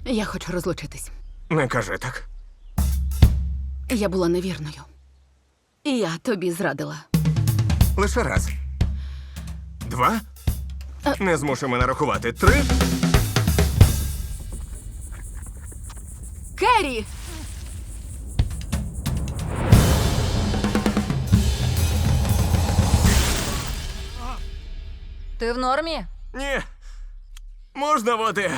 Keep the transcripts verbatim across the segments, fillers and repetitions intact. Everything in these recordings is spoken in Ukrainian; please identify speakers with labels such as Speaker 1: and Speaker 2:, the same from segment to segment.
Speaker 1: Я хочу розлучитись.
Speaker 2: Не кажи так.
Speaker 1: Я була невірною. І я тобі зрадила.
Speaker 2: Лише раз. Два. Не змушуй мене рахувати. Три.
Speaker 1: Керрі!
Speaker 3: Ти в нормі?
Speaker 2: Ні. Можна води?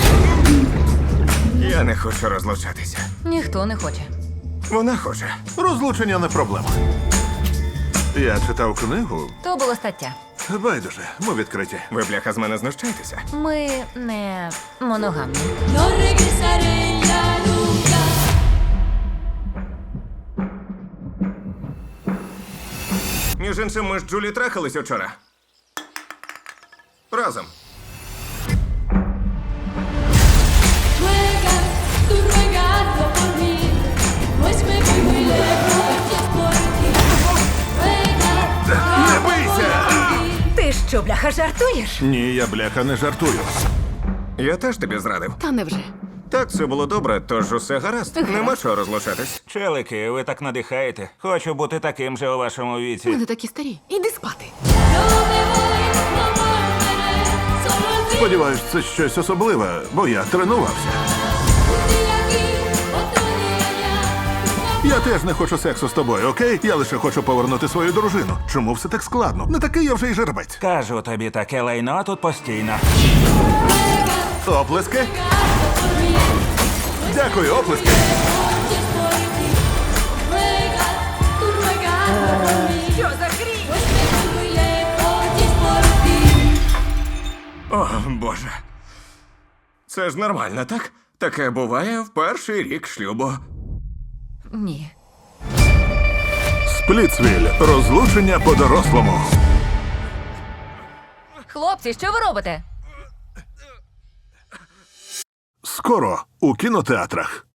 Speaker 2: Я не хочу розлучатися.
Speaker 3: Ніхто не хоче.
Speaker 2: Вона хоче.
Speaker 4: Розлучення не проблема. Я читав книгу.
Speaker 3: То була стаття.
Speaker 4: Байдуже, ми відкриті.
Speaker 2: Ви, бляха, з мене знущаєтеся?
Speaker 3: Ми не моногамні.
Speaker 5: No regresaré ya nunca.
Speaker 2: Між іншим, ми з Джулі трахались учора. Разом.
Speaker 5: Ruegas, tú ruegando por mí, pues me voy muy lejos y es por ti. Ruegas,
Speaker 4: Не бийся!
Speaker 3: Ти що, бляха, жартуєш?
Speaker 4: Ні, я бляха не жартую.
Speaker 2: Я теж тобі зрадив.
Speaker 1: Та невже?
Speaker 2: Так, все було добре, тож усе гаразд. Нема чого розлучатись.
Speaker 6: Челики, ви так надихаєте. Хочу бути таким же у вашому
Speaker 1: Ми
Speaker 6: віці.
Speaker 1: не такі старі. Іди спати.
Speaker 5: no me voy, no volveré, solo el fin.
Speaker 4: Сподіваюсь, це щось особливе, бо я тренувався.
Speaker 5: Un día aquí, otro día allá.
Speaker 4: Я теж не хочу сексу з тобою, окей? Я лише хочу повернути свою дружину. Чому все так складно? Не такий я вже й жеребець.
Speaker 6: Кажу тобі, таке лайно тут постійно.
Speaker 4: Оплески? Дякую, оплески.
Speaker 5: Y es por ti. Ruegas, tú ruegando por mí,
Speaker 3: Що за хрінь?
Speaker 5: pues me voy muy lejos y es por ti.
Speaker 2: О, Боже. Це ж нормально, так? Таке буває в перший рік шлюбу.
Speaker 3: Ні.
Speaker 4: Сплітсвіль. Розлучення по-дорослому.
Speaker 3: Хлопці, що ви робите?
Speaker 4: Скоро у кінотеатрах.